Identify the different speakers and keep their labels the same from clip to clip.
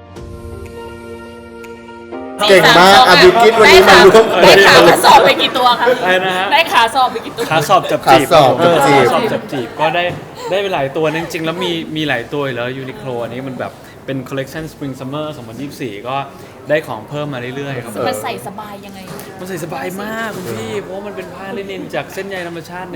Speaker 1: เก่งมากบิวกิ้นวันนี้มาร่วมเปิ
Speaker 2: ได้
Speaker 1: ด
Speaker 2: ขาสอบไปกี่ตัวครับ
Speaker 3: อะไรนะฮะ
Speaker 2: ได้ขาสอบไปกี่ตัว
Speaker 3: ขาสอบจับจีบ
Speaker 1: ขาสอบจับจีบ
Speaker 3: ขาสอบจับจีบก็ได้ไปหลายตัวนะจริงๆแล้วมีหลายตัวอยู่แล้วยูนิโคลอันนี้มันแบบเป็นคอลเลกชัน Spring Summer 2024 ก็ได้ของเพิ่มมาเรื่อยๆครับ
Speaker 2: มันใส่สบายยังไง
Speaker 3: มันใส่สบายมากคุณพี่เพราะว่ามันเป็นผ้าลินินจากเส้นใยธรรมชาติ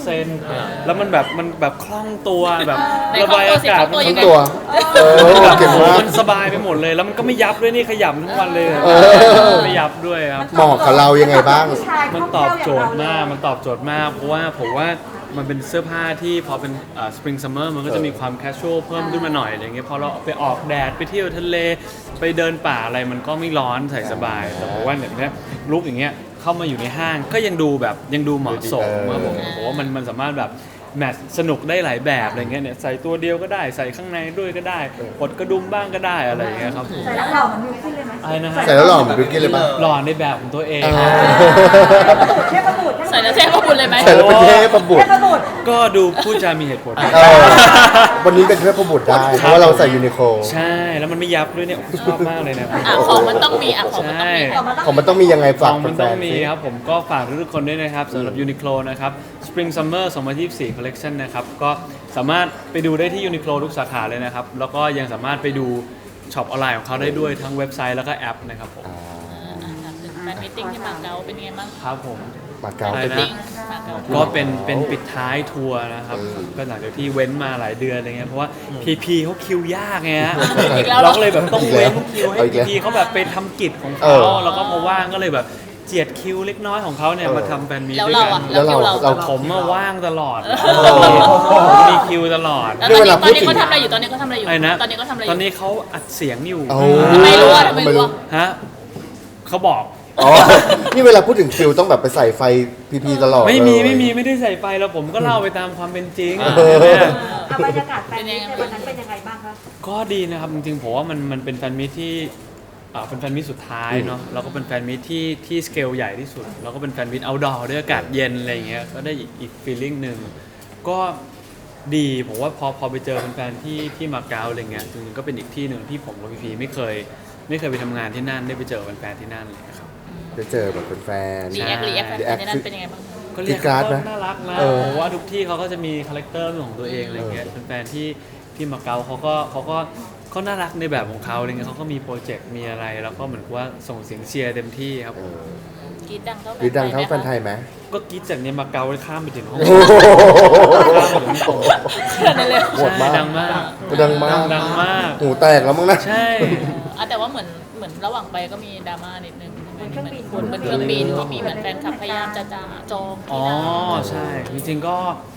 Speaker 3: 100%แล้วมันแบบคล่องตัวแบบ
Speaker 2: ไหน
Speaker 3: ระบายอากาศ
Speaker 2: คล่องตัวสิ
Speaker 1: ทั้งตัวเก่งมาก
Speaker 3: มันสบายไปหมดเลย แล้วมันก็ไม่ยับด้วยนี่ขยำทั้งวันเลยไม่ยับด้วยครับ
Speaker 1: เหมาะกับเรายังไงบ้าง
Speaker 3: มันตอบโจทย์มาก มันตอบโจทย์มาก เพราะว่าผมว่ามันเป็นเสื้อผ้าที่พอเป็นspring summer มันก็จะมีความ casual เพิ่มขึ้นมาหน่อยอะไรเงี้ยพอเราไปออกแดดไปเที่ยวทะเลไปเดินป่าอะไรมันก็ไม่ร้อนใส่สบาย แต่ผมว่าเนี่ยลุคอย่างเงี้ยเข้ามาอยู่ในห้างก็ยังดูเหมาะสมครับผมว่ามันสามารถแบบแมทสนุกได้หลายแบบอะไรเงี้ยเนี่ยใส่ตัวเดียวก็ได้ใส่ข้างในด้วยก็ได้กดกระดุมบ้างก็ได้อะไรอย่างเงี้ยครับ
Speaker 4: ใส่แล้วหล่อเหมือนบิวกิ้นเลยไหม
Speaker 3: อะไรนะฮะ
Speaker 1: ใส่แล้วหล่อเหมือนบิวกิ้นเลยป่ะ
Speaker 3: หล่อในแบบของตัวเอง
Speaker 4: เทพบุตร
Speaker 2: ใส่แล้วเท่พระบุญเลยไหม
Speaker 1: ใส่แล้วเป็นเทพบุต
Speaker 4: เท
Speaker 1: ร
Speaker 4: พบุตร
Speaker 3: ก็ดูพูดจามีเหตุผล
Speaker 1: วันนี้เป็นเทพบุตรได้ เพราะว่าเราใส่ยูนิโคล
Speaker 3: ใช่แล้วมันไม่ยับด้วยเนี่ยชอบมากเลยนะ
Speaker 2: ของมันต้องมีของมันต้องมี
Speaker 1: ของมันต้องมียังไง
Speaker 3: ข
Speaker 1: ฝาก
Speaker 3: องมัน
Speaker 1: แฟ
Speaker 3: ต้อง
Speaker 1: นๆ
Speaker 3: มี
Speaker 1: สิ
Speaker 3: ครับผมก็ฝากทุกคนด้วยนะครับสำหรับ Uniqlo นะครับ Spring Summer 2024 Collection นะครับก็สามารถไปดูได้ที่ Uniqlo ทุกสาขาเลยนะครับแล้วก็ยังสามารถไปดูช็อปออนไลน์ของเขาได้ด้วยทั้งเว็บไซต์แล้วก็แอปนะครับผม
Speaker 2: แฟนมิทติ้งที่มาเก๊าเป็นไงบ้าง
Speaker 3: ครับผม
Speaker 1: มาเก๊า
Speaker 3: อะไร
Speaker 1: เป็น
Speaker 3: นะ
Speaker 2: ติ้งมาเก๊า
Speaker 3: ก็เป็นปิดท้ายทัวร์นะครับก็หลังจากที่เว้นมาหลายเดือนอะไรเงี้ยเพราะว่า PP เขาคิวยากไงฮะ
Speaker 2: อีกแล้วเหร
Speaker 3: เรา
Speaker 2: อ
Speaker 3: ก็เลยแบบต้องเว้นคิวให้
Speaker 1: เอาอีกแล้ว
Speaker 3: PP เขาแบบไปทำกิจของเขาแล้วก็พอว่างก็เลยแบบเจียดคิวเล็กน้อยของเขาเนี่ยมาทำแฟนมีต
Speaker 2: แล้ว
Speaker 3: ด้วย
Speaker 2: เรา
Speaker 3: กั
Speaker 2: อ่ะ
Speaker 3: น
Speaker 2: แล้วคิวเรา
Speaker 1: เรา
Speaker 3: ผมมาว่างตลอด
Speaker 1: อ
Speaker 3: ผมมีคิวตลอด
Speaker 2: แล้ว
Speaker 1: ด้วยเวลา
Speaker 2: ตอนนี้
Speaker 1: พูดถึง
Speaker 2: เขาทำอะไรอยู่ตอนนี้เขาทำอะไรอยู่
Speaker 3: อะไรนะ
Speaker 2: ตอนนี้เขาทำอะไรอ
Speaker 3: ตอน
Speaker 2: ยู่
Speaker 3: นี้เขาอัดเสียงอยู่
Speaker 1: เอา
Speaker 2: ทำไมรู้อะทำไมรู้อะ
Speaker 3: ฮะเขาบอก
Speaker 1: อ๋อ นี่เวลาพูดถึงคิวต้องแบบไปใส่ไฟพีตลอด
Speaker 3: ไม่
Speaker 1: เลย
Speaker 3: ไม่ได้ใส่ไฟแล้วผมก็เล่าไปตามความเป็นจริง
Speaker 4: บรรยากาศแฟนมิตในวันนั้นเป็นยังไงบ้างคะ
Speaker 3: ก็ดีนะครับจริงๆผมว่ามันเป็นแฟนมิตที่เป็นแฟนมิตสุดท้ายเนาะแล้วก็เป็นแฟนมิตที่สเกลใหญ่ที่สุดแล้วก็เป็นแฟนมิตเอาท์ดอร์ด้วยอากาศเย็นอะไรอย่างเงี้ยก็ได้อีกฟีลลิ่งหนึ่งก็ดีผมว่าพอไปเจอแฟนๆที่มาเก๊าอะไรเงี้ยจริงๆก็เป็นอีกที่หนึ่งที่ผมกับพีไม่เคยไปทำงานที่นั่นได้ไปเจอแฟนๆที่นั่นเลยครับ
Speaker 1: ได้เจอแบบเป็นแฟน
Speaker 2: รีแอคแฟนในนั้นเป็นยังไงบ้าง
Speaker 3: ก็เรียก
Speaker 1: กรี๊ดกราด
Speaker 3: เขา
Speaker 1: ไหม
Speaker 3: น่ารักนะ
Speaker 1: เออ
Speaker 3: ผมว่าทุกที่เขาก็จะมีคาแรคเตอร์ของตัวเองอะไรเงี้ยแฟนๆที่มาเก๊าเขาก็น่ารักในแบบของเขาอะไรเงี้ยเขาก็มีโปรเจกต์มีอะไรแล้วก็เหมือนกับว่าส่งเสียงเชียร์เต็มที่ครับ
Speaker 2: กรีดดังเท่า
Speaker 1: หรือดังเท่าแฟนไทยไหม
Speaker 3: ก็กรีดจากเนี้ยมาเก๊าข้ามไปถึงห้อง
Speaker 1: โอ้โห
Speaker 3: ข้ามไปถึงฮ่องกง
Speaker 2: นั่นเลย
Speaker 1: โหดมาก
Speaker 3: ใช่ดังมาก
Speaker 1: ดังมาก
Speaker 3: ดังมาก
Speaker 1: หูแตกแล้วมั้งนะ
Speaker 3: ใช่
Speaker 2: แต่ว่าเหมือนระหว่างไปก็มีดราม่านิดนึงบนเครื่องบินที่มีเหมือนแฟนคลับพยายามจะจอง
Speaker 3: อ๋อ
Speaker 2: ที่นั่ง
Speaker 3: ใช่จริงๆก็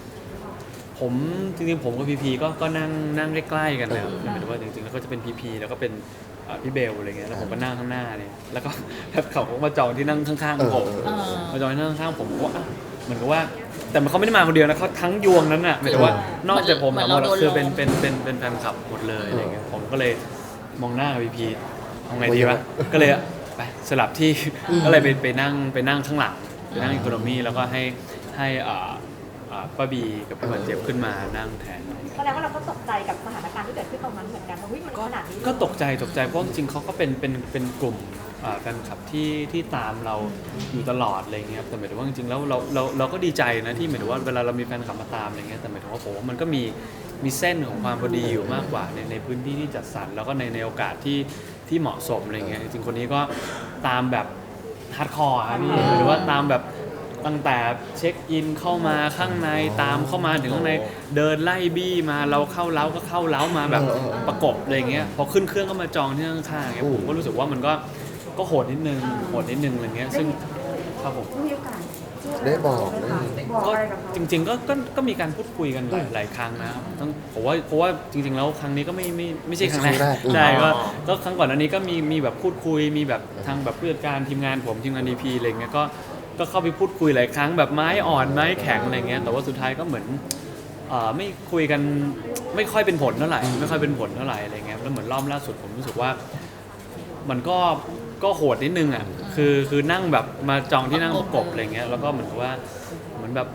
Speaker 3: ผมกับพีพีก็นั่งใกล้ๆกันเลยครับหมายถึงว่าจริงๆแล้วก็จะเป็นพีพีแล้วก็เป็นพี่เบลอะไรเงี้ยแล้วผมก็นั่งข้างหน้าเนี่ยแล้วก็แล้วเขาก็มาจองที่นั่งข้างๆผม มาจอยนั่งข้างผมก็ว่าเหมือนกับว่าแต่เขาไม่ได้มาคนเดียวนะเขาทั้งยวงนั้นน่ะหมายถึงว่านอกจากผมทั้งหมดคือเป็นแฟนคลับหมดเลยอะไรเงี้ยผมก็เลยมองหน้าพีพีทำไงดีวะก็เลยไปสลับที่ก็เลยไปนั่งข้างหลังไปนั่งอีโคโนมีแล้วก็ให้ป้าบีกับพี่วันเจ็บขึ้นมานั่งแทน
Speaker 4: แสดงว่าเราก็ตกใจกับสถานการณ์ที่เกิดขึ้นตรงนั้นเหมือนกันว่ามันขนาดนี้
Speaker 3: ก็ตกใจเพราะจริงๆเขาก็เป็นกลุ่มแฟนคลับที่ตามเราอยู่ตลอดอะไรเงี้ยแต่หมายถึงว่าจริงๆแล้วเราก็ดีใจนะที่หมายถึงว่าเวลาเรามีแฟนคลับมาตามอะไรเงี้ยแต่หมายถึงว่าผมว่ามันก็มีเส้นของความพอดีอยู่มากกว่าในพื้นที่ที่จัดสรรแล้วก็ในโอกาสที่เหมาะสมอะไรเงี้ยจริงๆคนนี้ก็ตามแบบฮาร์ดคอร์ครับพี่หรือว่าตามแบบตั้งแต่เช็คอินเข้ามาข้างในตามเข้ามาถึงข้างในเดินไล่บี้มาเราเข้าเล้าก็เข้าเล้ามาแบบประกบอะไรเงี้ยพอขึ้นเครื่องก็มาจองที่ข้างๆเงี้ยผมก็รู้สึกว่ามันก็โหดนิดนึงอะไรเงี้ยซึ่งครับผม
Speaker 4: มีโอกาส
Speaker 1: ได้บอกได้
Speaker 4: บอก
Speaker 3: ก็
Speaker 4: อะไรกับเขา
Speaker 3: จริงๆก็มีการพูดคุยกันหลายครั้งนะครับต้องผมว่าเพราะว่าจริงๆแล้วครั้งนี้ก็ไม่ใช่ครั้งแรกใช่ก็ครั้งก่อนอันนี้ก็มีแบบพูดคุยมีแบบทางแบบผู้จัดการทีมงานผมทีมงาน DP อะไรเงี้ยก็เข้าไปพูดคุยหลายครั้งแบบไม้อ่อนไม้แข็งอะไรเงี้ยแต่ว่าสุดท้ายก็เหมือนไม่คุยกันไม่ค่อยเป็นผลเท่าไหร่อะไรเงี้ยแล้วเหมือนรอบล่าสุดผมรู้สึกว่ามันก็โหดนิดนึงอ่ะคือนั่งแบบมาจองที่นั่งประกบอะไรเงี้ยแล้วก็เหมือนกับว่าเหมือนแบบ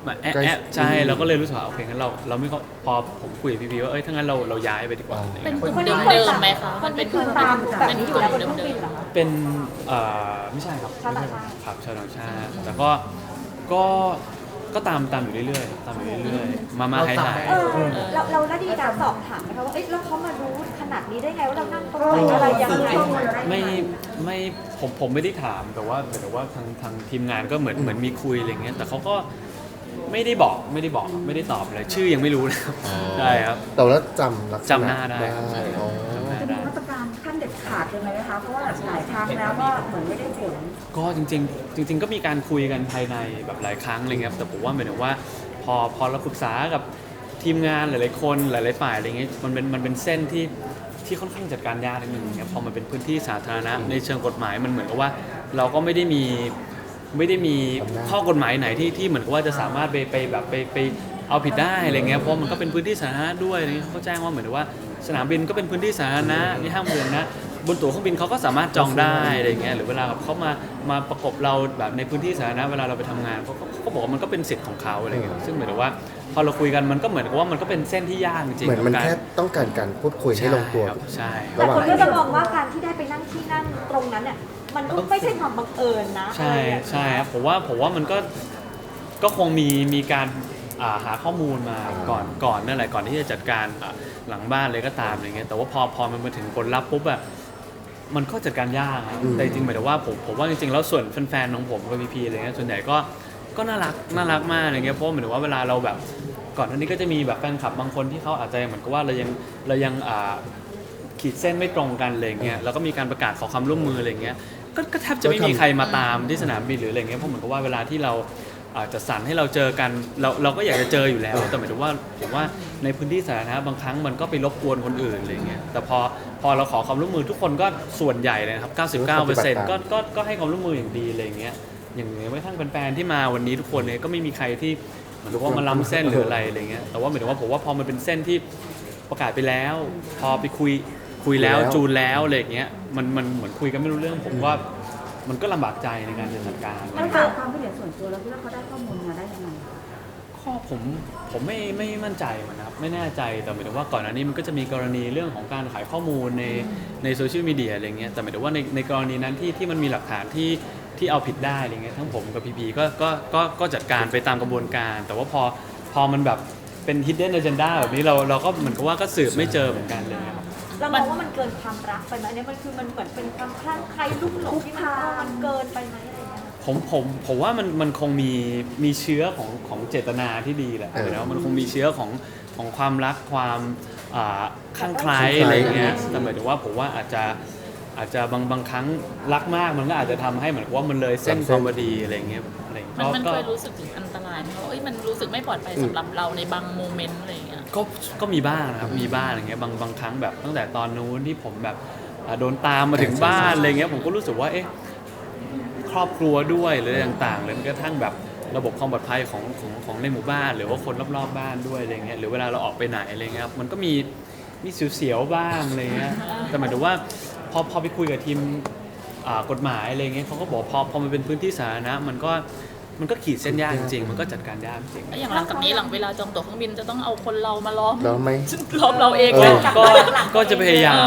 Speaker 3: มาแอะ
Speaker 1: ใกล้
Speaker 3: แอะใช่เราก็เลยรู้สึกว่าโอเคงั้นเราไม่ก็พอผมคุยกับพี่ๆว่าถ้างั้นเราย้ายไปดีกว่าอะไร
Speaker 2: เป็น
Speaker 3: เงี้ย
Speaker 2: กลุ่มเดิมๆไหมคะมันเป็นกลุ่ม
Speaker 4: ตามแบบ
Speaker 2: เป็น
Speaker 4: นี้
Speaker 2: ก
Speaker 4: อยู่
Speaker 2: ลุ่ม
Speaker 4: แล้วบนเค
Speaker 2: เดิ
Speaker 4: รื่องบิน
Speaker 2: ม
Speaker 4: เหรอคะ
Speaker 3: เป็นไม่ใช่ครับ
Speaker 4: ชาวต่างชาติ
Speaker 3: ครับชาวต่างชาติแต่ก็ตามอยู่เรื่อยๆตามอยู่เรื่อยๆมาหาย
Speaker 4: เราได้มีการสอบถามไหมคะว่าเอ๊ะแล้วเขามารู้ขนาดนี้ได้ไงว่าเรานั่งตรงไหนอะไรยังไง
Speaker 3: ไม่ผมไม่ได้ถามแต่ว่าทางทีมงานก็เหมือนมีคุยอะไรเงี้ยแต่เขาก็ไม่ได้บอกไม่ได้ตอบเลยชื่อยังไม่รู้นะครับใช่ครับ
Speaker 1: แต่ว่าจำลักษณะ
Speaker 3: จำหน้าได้ครับ
Speaker 1: อ๋อ
Speaker 3: จำหน้า
Speaker 5: จะมี
Speaker 3: ได้
Speaker 5: มาตรการขั้นเด็ดขาดยังไงไหมคะ เพราะว่าหลายครั้งแล้วก็เหมือนไม่ได้ผล
Speaker 3: ก็จริงๆก็มีการคุยกันภายในแบบหลายครั้งอะไรเงี้ยครับแต่ผมว่าหมายถึงว่าพอเราปรึกษากับทีมงานหลายๆคนหลายๆฝ่ายอะไรเงี้ยมันเป็นเส้นที่ค่อนข้างจัดการยากนิดนึงเนี่ยพอมันเป็นพื้นที่สาธารณะในเชิงกฎหมายมันเหมือนกับว่าเราก็ไม่ได้มีข้อกฎหมายไหนที่เหมือนกับว่าจะสามารถไปเอาผิดได้อะไรเงี้ยเพราะมันก็เป็นพื้นที่สาธารณะด้วยอะไรเงี้ยเขาก็แจ้งว่าเหมือนกับว่าสนามบินก็เป็นพื้นที่สาธารณะที่ห้ามเดินนะบนตั๋วเครื่องบินเขาก็สามารถจองได้อะไรเงี้ยหรือเวลาเขามาประกบเราแบบในพื้นที่สาธารณะเวลาเราไปทำงานเขาบอกว่ามันก็เป็นสิทธิ์ของเขาอะไรเงี้ยซึ่งหมายถึงว่าพอเราคุยกันมันก็เหมือนกับว่ามันก็เป็นเส้นที่ยากจริงๆ
Speaker 1: เหมือนมัน
Speaker 3: กับาร
Speaker 1: แค่ต้องการการพูดคุยให้ลงตัว
Speaker 3: ใช่
Speaker 4: แต่คนก็จะมองว่าการที่ได้ไปนั่งที่นั่งตรงนั้นเนี่ยมันก็ไม่ใช่ความบังเอิญนะ
Speaker 3: ใช่
Speaker 4: อะไรอย่างเงี้ย
Speaker 3: ใช่ครับผมว่ามันก็คงมีการหาข้อมูลมาก่อนนั่นแหละก่อนที่จะจัดการหลังบ้านเลยก็ตามอะไรเงี้ยแต่ว่าพอมันมาถึงผลลัพธ์ปุ๊บอะมันก็จัดการยากครับแต่จริงๆหมายถึงว่าผมว่าจริงๆแล้วส่วนแฟนๆของผมกับพีอะไรเงี้ยส่วนใหญ่ก็น่ารักมากอะไรเงี้ยเพราะหมายถึงว่าเวลาเราแบบก่อนหน้านี้ก็จะมีแบบแฟนคลับบางคนที่เขาอาจจะเหมือนกับว่าเรายังขีดเส้นไม่ตรงกันอะไรเงี้ยแล้วก็มีการประกาศขอความร่วมมืออะไรเงี้ยก็แทบจะไม่มีใครมาตามที่สนามบินหรืออะไรเงี้ยเพราะเหมือนกับว่าเวลาที่เราจัดสรรให้เราเจอกันเราก็อยากจะเจออยู่แล้วแต่หมายถึงว่าผมว่าในพื้นที่สาธารณะบางครั้งมันก็ไปรบกวนคนอื่นอะไรเงี้ยแต่พอเราขอความร่วมมือทุกคนก็ส่วนใหญ่เลยนะครับ 99% ก็ให้ความร่วมมืออย่างดีอะไรเงี้ยอย่างไม่ทั้งแฟนๆที่มาวันนี้ทุกคนเนี่ยก็ไม่มีใครที่เหมือนกับว่ามาล้ำเส้นหรืออะไรเงี้ยแต่ว่าหมายถึงว่าผมว่าพอมันเป็นเส้นที่ประกาศไปแล้วพอไปคุยแล้วจูนแล้วอะไรเงี้ยมันเหมือนคุยกันไม่รู้เรื่องผมว่ามันก็ลำบากใจในการจัดการ
Speaker 5: แล้วจากความคิดเห็นส่วนตัวแล้วคิดว่าเขาได้ข้อมูลมาได้ยังไง
Speaker 3: ข้อผมไม่มั่นใจมันนะครับไม่แน่ใจแต่หมายถึงว่าก่อนหน้านี้มันก็จะมีกรณีเรื่องของการขายข้อมูลในโซเชียลมีเดียอะไรเงี้ยแต่หมายถึงว่าในกรณีนั้นที่มันมีหลักฐานที่เอาผิดได้อะไรเงี้ยทั้งผมกับพีก็จัดการไปตามกระบวนการ แต่ว่าพอมันแบบเป็น hidden agenda แบบนี้เราก็เหมือนกับว่าก็สืบไม่เจอเหมือนกันเลยครับ
Speaker 4: เรามองว่ามันเกินความรักไปไหมอันนี้มันคือมันเหมือนเป็นความคลั่งไคล้ลุ่มหลงที่มันเกินไปไหมอะไรอย่างเงี้ย
Speaker 3: ผมว่ามันคงมีเชื้อของเจตนาที่ดีแหละแล้วมันคงมีเชื้อของความรักความคลั่งไคล้อะไรเงี้ยแต่หมายถึงว่าผมว่าอาจจะบางครั้งรักมากมันก็อาจจะทำให้เหมือนกับว่ามันเลยเส้นความพอดีอะไรเงี้ย
Speaker 2: มันเคยรู้สึกถึงอันตรายไหมว่ามันรู้สึกไม่ปลอดภัยสำหรับเราในบางโมเมนต์อะไรอย่างเงี้ย
Speaker 3: ก็มีบ้างนะครับมีบ้างอะไรเงี้ยบางครั้งแบบตั้งแต่ตอนนู้นที่ผมแบบโดนตามมาถึงบ้านอะไรเงี้ยผมก็รู้สึกว่าครอบครัวด้วยหรืออะไรต่างๆหรือกระทั่งแบบระบบความปลอดภัยของในหมู่บ้านหรือว่าคนรอบๆบ้านด้วยอะไรเงี้ยหรือเวลาเราออกไปไหนอะไรเงี้ยมันก็มีเสียวๆบ้างอะไรเงี้ยแต่หมายถึงว่าพอไปคุยกับทีมกฎหมายอะไรเงี้ยเขาก็บอกพอมันเป็นพื้นที่สาธารณะมันก็ขีดเส้นยากจริงๆมันก็จัดการยากจริง
Speaker 2: อย่างหลังจากนี้หลังเวลาจองตั๋วเครื่องบินจะต้องเอาคนเรามาล้อม
Speaker 1: แล้วไหม
Speaker 2: ล้อมเราเอง
Speaker 3: ก็จะพยายาม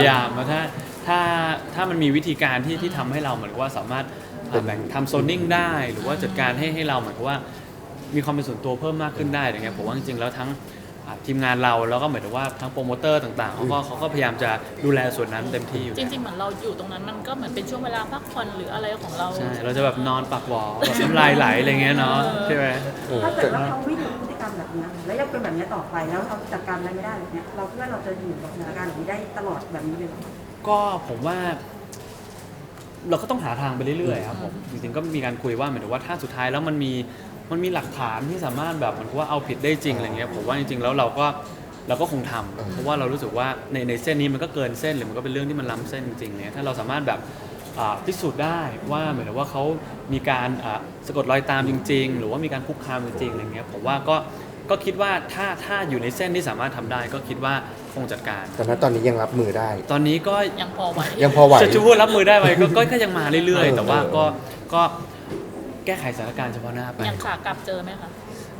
Speaker 3: ถ้ามันมีวิธีการที่ทำให้เราเหมือนว่าสามารถแบ่งทำโซนนิ่งได้หรือว่าจัดการให้เราเหมือนกับว่ามีความเป็นส่วนตัวเพิ่มมากขึ้นได้อย่างเงี้ยผมว่าจริงๆแล้วทั้งทีมงานเราแล้วก็หมายถึงว่าทั้งโปรโมเตอร์ต่างๆเขาก็พยายามจะดูแลส่วนนั้นเต็มที่อยู่
Speaker 2: จริงๆเหมือนเราอยู่ตรงนั้นมันก็เหมือนเป็นช่วงเวลาพักผ่อนหรืออะไรของเรา
Speaker 3: ใช่เราจะแบบนอนปักหวอแบบน้ำลายไหลอะไรเงี้ยเนาะใช่ไหม
Speaker 5: ถ้าเกิดว่าเขาวิ่งพฤติกรรมแบบนี้แล้วยังเป็นแบบนี้ต่อไปแล้วเราจัดการอะไรไม่ได้แบบนี้เราคิดว่าเราจะอยู่กับสถานการณ์แบบนี้ได้ตลอดแบบนี้เลยหรอ
Speaker 3: ก็ผมว่าเราก็ต้องหาทางไปเรื่อยๆครับผมจริงๆก็มีการคุยว่าหมายถึงว่าถ้าสุดท้ายแล้วมันมีหลักฐานที่สามารถแบบเหมือนว่าเอาผิดได้จริงอะไรเงี้ยผมว่าจริงๆแล้วเราก็คงทำเพราะว่าเรารู้สึกว่าในเส้นนี้มันก็เกินเส้นหรือมันก็เป็นเรื่องที่มันล้ำเส้นจริงๆเนี่ยถ้าเราสามารถแบบพิสูจน์ได้ว่าเหมือนว่าเขามีการสะกดรอยตามจริงๆหรือว่ามีการคุกคามจริงๆอะไรเงี้ยผมว่าก็คิดว่าถ้าอยู่ในเส้นที่สามารถทำได้ก็คิดว่าคงจัดการ
Speaker 1: แต่ณตอนนี้ยังรับมือได้
Speaker 3: ตอนนี้ก็
Speaker 2: ยังพอไหว
Speaker 3: จะพูดรับมือได้ไหมก็ยังมาเรื่อยๆแต่ว่าก็แก้ไขสถานการณ์เฉพาะหน้าไป
Speaker 2: อย่างขากลับเจอไหมคะ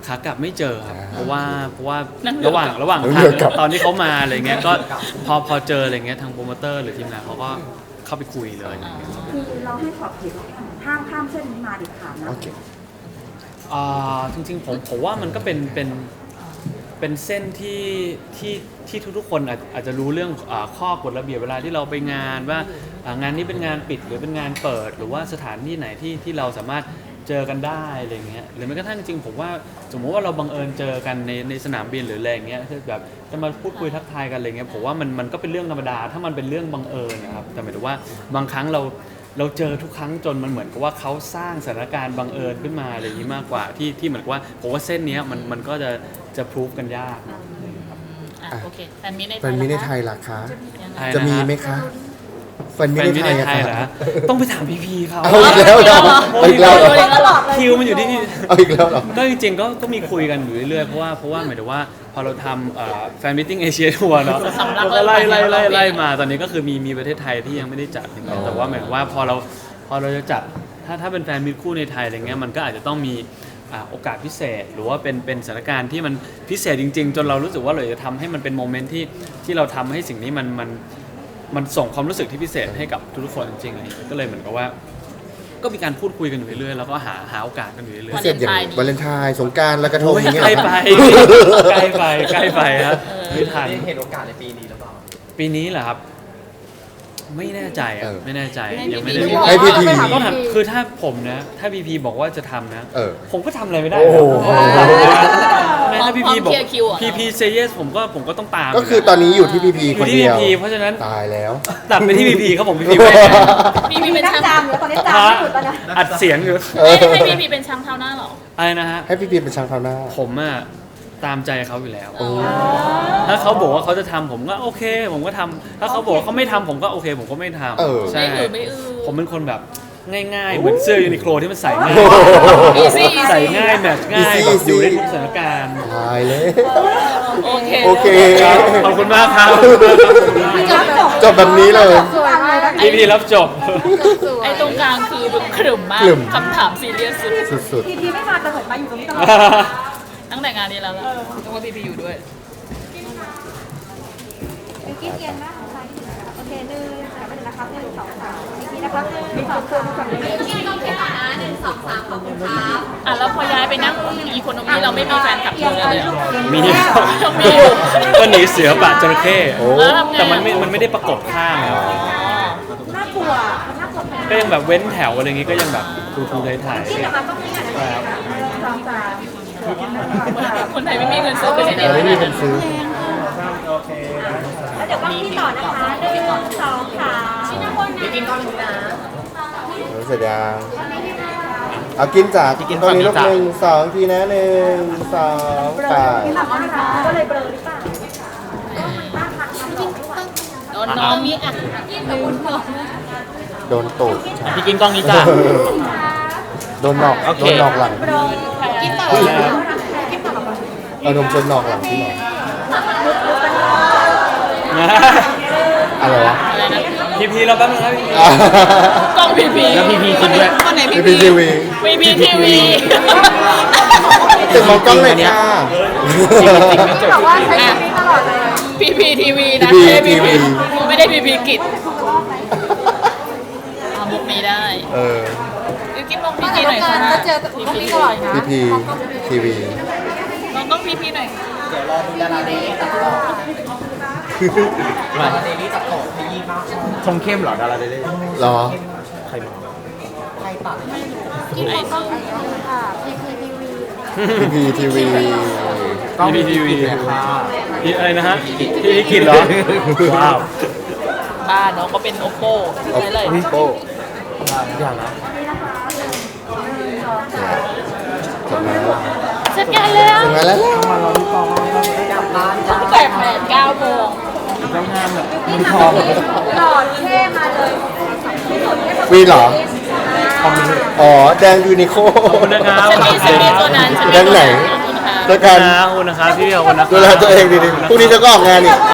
Speaker 3: ขากลับไม่เจอครับเพราะว่า
Speaker 2: นั่งเรือ
Speaker 3: ระหว่าง
Speaker 1: นั่ง
Speaker 3: ทา
Speaker 1: เรือกลับ
Speaker 3: งตอนที่เขามาอะไรเงี้ยก็พอเจออะไรเงี้ยทางโปรโมเตอร์หรือทีมงานเขาก็เข้าไปคุยเลย
Speaker 5: คือเราให้ขอบเขตห้ามข้ามเส้นนี้มาเด็ดขาดนะ
Speaker 1: โอเค
Speaker 3: จริงๆผมว่ามันก็เป็นเส้นที่ทุกๆคนอาจจะรู้เรื่องข้อกฎระเบียบเวลาที่เราไปงานว่างานนี้เป็นงานปิดหรือเป็นงานเปิดหรือว่าสถานที่ไหนที่เราสามารถเจอกันได้อะไรเงี้ยหรือแม้กระทั่งจริงๆผมว่าสมมติว่าเราบังเอิญเจอกันในสนามบินหรืออะไรเงี้ยคือแบบจะมาพูดคุยทักทายกันอะไรเงี้ยผมว่ามันก็เป็นเรื่องธรรมดาถ้ามันเป็นเรื่องบังเอิญนะครับแต่หมายถึงว่าบางครั้งเราเจอทุกครั้งจนมันเหมือนกับว่าเขาสร้างสถานการณ์บังเอิญขึ้นมาอะไรอย่างนี้มากกว่าที่เหมือนกับว่าผมว่าเส้นเนี้ยมันก็จะพรูฟกันยากนะ
Speaker 2: โอเคแฟนมิตรในไท
Speaker 1: แฟ
Speaker 2: ย
Speaker 1: นมิตรใน
Speaker 2: ล่ะ
Speaker 1: ไท
Speaker 2: คะ
Speaker 1: ยล่ะคะ
Speaker 2: ยังไง
Speaker 1: จะมีไหมคะแฟนมิตร
Speaker 3: แฟน
Speaker 1: ใน
Speaker 3: มิตร
Speaker 1: ไทย
Speaker 3: ใน
Speaker 1: อะ
Speaker 3: ไทย
Speaker 1: คะ
Speaker 3: เหรอฮะต้องไปถามพีเขา
Speaker 1: เอาอีกแล้วเหรอเอาอีกแล้วเหรอ
Speaker 3: คิวมันอยู่ที่พี่
Speaker 1: เอาอีกแล้วเหรอ
Speaker 3: ก็จริงๆก็มีคุยกันอยู่เรื่อยๆเพราะว่าหมายถึงว่าพอเราทำแฟนมิทติ้งเอเชียทัวร์เนาะเราก็ไล่มาตอนนี้ก็คือมีประเทศไทยที่ยังไม่ได้จัดอย่างเงี้ยแต่ว่าหมายถึงว่าพอเราจะจัดถ้าเป็นแฟนมิตรคู่ในไทยอะไรเงี้ยมันก็อาจจะต้องมีโอกาสพิเศษหรือว่าเป็นสถานการณ์ที่มันพิเศษจริงๆ จนเรารู้สึกว่าเราจะทำให้มันเป็นโมเมนต์ที่เราทำให้สิ่งนี้มันส่งความรู้สึกที่พิเศษให้กับทุกๆคนจริงๆอะไรอย่างเงี้ยก็เลยเหมือนกับว่า ก็มีการพูดคุยกันอยู่เรื่อยๆแล้วก็หาโอกาสกันอยู่เรื่อย
Speaker 1: พิเศษอย่างวาเลนไทน์สงกรานต์และกระ
Speaker 3: ๆ
Speaker 1: ทง
Speaker 3: โอ้ย
Speaker 1: อย่างเงี้ย
Speaker 3: ใกล้
Speaker 1: เหรอ
Speaker 3: ไป
Speaker 1: ครับ
Speaker 3: ใกล้ไปครับไม่ทัน
Speaker 6: เห็นโอกาสในปีนี้หรือเปล่า
Speaker 3: ปีนี้เหรอครับ ไม่แน่ใจอ่ะไม่แน่ใจยังไม่ได้
Speaker 1: ให้พี่พี
Speaker 3: ต้องถามคือถ้าผมนะถ้าพีพีบอกว่าจะทำนะ ผมก็ทำอะไรไม่ได้
Speaker 1: โอ้โห
Speaker 3: ถ้าพีพีบอก
Speaker 2: พร้อมเคลียร์คิวเหรอ
Speaker 3: พีพีเซเยสผมก็ต้องตาม
Speaker 1: ก็คือตอนนี้อยู่ที่พีพี
Speaker 3: อ
Speaker 1: ค
Speaker 3: ยู่
Speaker 1: น
Speaker 3: ที่
Speaker 1: เดี
Speaker 3: พี
Speaker 1: ยว
Speaker 3: พีเพราะฉะนั้น
Speaker 1: ตายแล้ว
Speaker 3: ตัดไปที่พีพีครับผมพีพีไม่
Speaker 2: พี่เป็น
Speaker 5: นั่ง
Speaker 2: ช่าง
Speaker 5: จามอยู่ตอนนี้จามไม่หยุดแล้วนะ
Speaker 3: อัดเสียงอยู่
Speaker 2: ให้พี่เป็นช่างเท้าหน้าเหรอ
Speaker 3: อะไรนะฮะ
Speaker 1: ให้พีพีเป็นช่างเท้าหน้า
Speaker 3: ผมอะตามใจเขาอยู่แล้ว ถ้าเขาบอกว่าเขาจะทำผมก็โอเค ผมก็ทำถ้าเขาบอกว่าเขาไม่ทำผมก็โอเค ผมก็ไม่ทำใช่
Speaker 2: ไม่อื้อ
Speaker 3: ผมเป็นคนแบบง่ายๆ เหมือนเสื้อยูนิโคลที่มันใส่ง่าย
Speaker 2: easy
Speaker 3: ใส่ง่ายแมทช์ง่าย
Speaker 1: easy
Speaker 3: แบบอยู่ได้ทุกสถานการณ์
Speaker 1: ตายเลย
Speaker 2: โอเค
Speaker 1: โอเค
Speaker 3: ครับขอบคุณมากครับ
Speaker 1: จบแบบนี้เลย
Speaker 5: สวยมาก
Speaker 3: พี่พีรับจบ
Speaker 2: ไอ้ตรงกลางคือแบบขรึมมาก
Speaker 1: ขรึม
Speaker 2: คำถามซีเรียสสุด
Speaker 1: สุด
Speaker 5: ทีไม่มาแต่เหมือนมาอยู่ตรงนี้ตลอด
Speaker 2: ตั้งแต่งานนี้แล้วล่ะต้องว่าพี่อยู่ด้วย
Speaker 4: บิวกิ้นเอียนมากของใครโอเคหนึ่งสามไปเลยนะครับหนึ่งสองสามอีกทีนะครับหนึ่งสองสามขอบคุณครับ
Speaker 2: อ่ะแล้วพอย้ายไปนั่งอีโคโนมีเราไม่มีแฟนคลับเลยเลยเหรอ
Speaker 3: มี
Speaker 2: มีอยู่
Speaker 3: ก็หนีเสือป่าจระเข้
Speaker 2: แล้วทำไง
Speaker 3: แต่มันไม่ได้ประกบข้างอะ
Speaker 4: น่ากลัวมันน่ากลัว
Speaker 3: ก็ยังแบบเว้นแถวอะไรอย่างงี้ก็ยังแบบทูถ่าย
Speaker 4: ที่จะมาต้องมีอะไร
Speaker 5: สองสาม
Speaker 2: คนไทยไม่มีเงินซื้อไปไหน
Speaker 1: ๆไม่มีคนซื้อ
Speaker 4: แล้วเดี๋ยวก็พี่ต่อนะคะหนึ่งสองสามชิ้นละคนนะกินก้อนนึงนะ
Speaker 1: เสร็จยังเอากินจากตรงนี้ลูกหนึ่งสองทีนะหนึ่งสองไป
Speaker 4: ก็เลยเบลอหรือเปล่า
Speaker 2: น้องมีอ่ะ
Speaker 1: โดนตูด
Speaker 6: พี่กินกล้องนี้จ้ะ
Speaker 1: โดนหนอก
Speaker 6: โอเค
Speaker 1: โดนหนอกหลัง
Speaker 2: กินต่อ
Speaker 1: เอานมชนหนอกหลังพี่หน่อย
Speaker 3: นะ
Speaker 1: อะไรวะ
Speaker 2: อะไรนะ
Speaker 3: พีเราแป๊บนึงครับพี่
Speaker 2: กล้องพีพี
Speaker 6: แล้วพีพีกินด้วย
Speaker 2: คนไหน
Speaker 1: พี
Speaker 2: พี
Speaker 1: พีทีวี
Speaker 2: พีพีทีวี
Speaker 1: ติดมองกล้องเลยค่ะ
Speaker 5: บอกว่าใช้ชีวิตตลอดเลย
Speaker 2: พีพีทีวีนะ
Speaker 1: PPTV
Speaker 2: ไม่ใช่ PP ไม่ได้พีพีกิจมุกนี้ได้ ยูกินมองพีพีหน่อยค่ะพีพี
Speaker 1: พีพีทีวี
Speaker 2: ลองต้องพีพีหน่อย
Speaker 6: มาดาราเดลี่ตัดต่อขยี้มากชงเข้มเหรอดาราเดลี่
Speaker 1: เหรอ
Speaker 6: ใครมา
Speaker 2: ไอ้ต้อง
Speaker 1: พีพีทีวี
Speaker 6: กล้อง
Speaker 3: พีพีทีวี
Speaker 6: ค่ะ
Speaker 3: อะไรนะฮะพี่กินเหรอว้าว
Speaker 2: บ้านน้องก็เป็นโอโป้ใช่เลย
Speaker 1: โป้
Speaker 6: อย่างนะ
Speaker 1: จบแล้ว
Speaker 2: เสร็จงานแล้ว
Speaker 1: ถึงงานแล้ว
Speaker 2: ตั้งแต่8-9 โมง
Speaker 3: ต้องงานแบบ
Speaker 5: หล่อเท่มาเลย
Speaker 1: วีนเหรอ อ๋อ แดงยูนิโค
Speaker 3: ขอบคุณนะครับ
Speaker 2: ฉันมีตัวนั้นฉันมี
Speaker 1: แดงไหน
Speaker 2: ขอบคุณค่ะ
Speaker 1: แล้วกัน
Speaker 3: ขอบคุณนะครับพี่ขอบคุณนะครับ
Speaker 1: ดูแลตัวเองดีๆพรุ่งนี้จะก็ออกงานอีก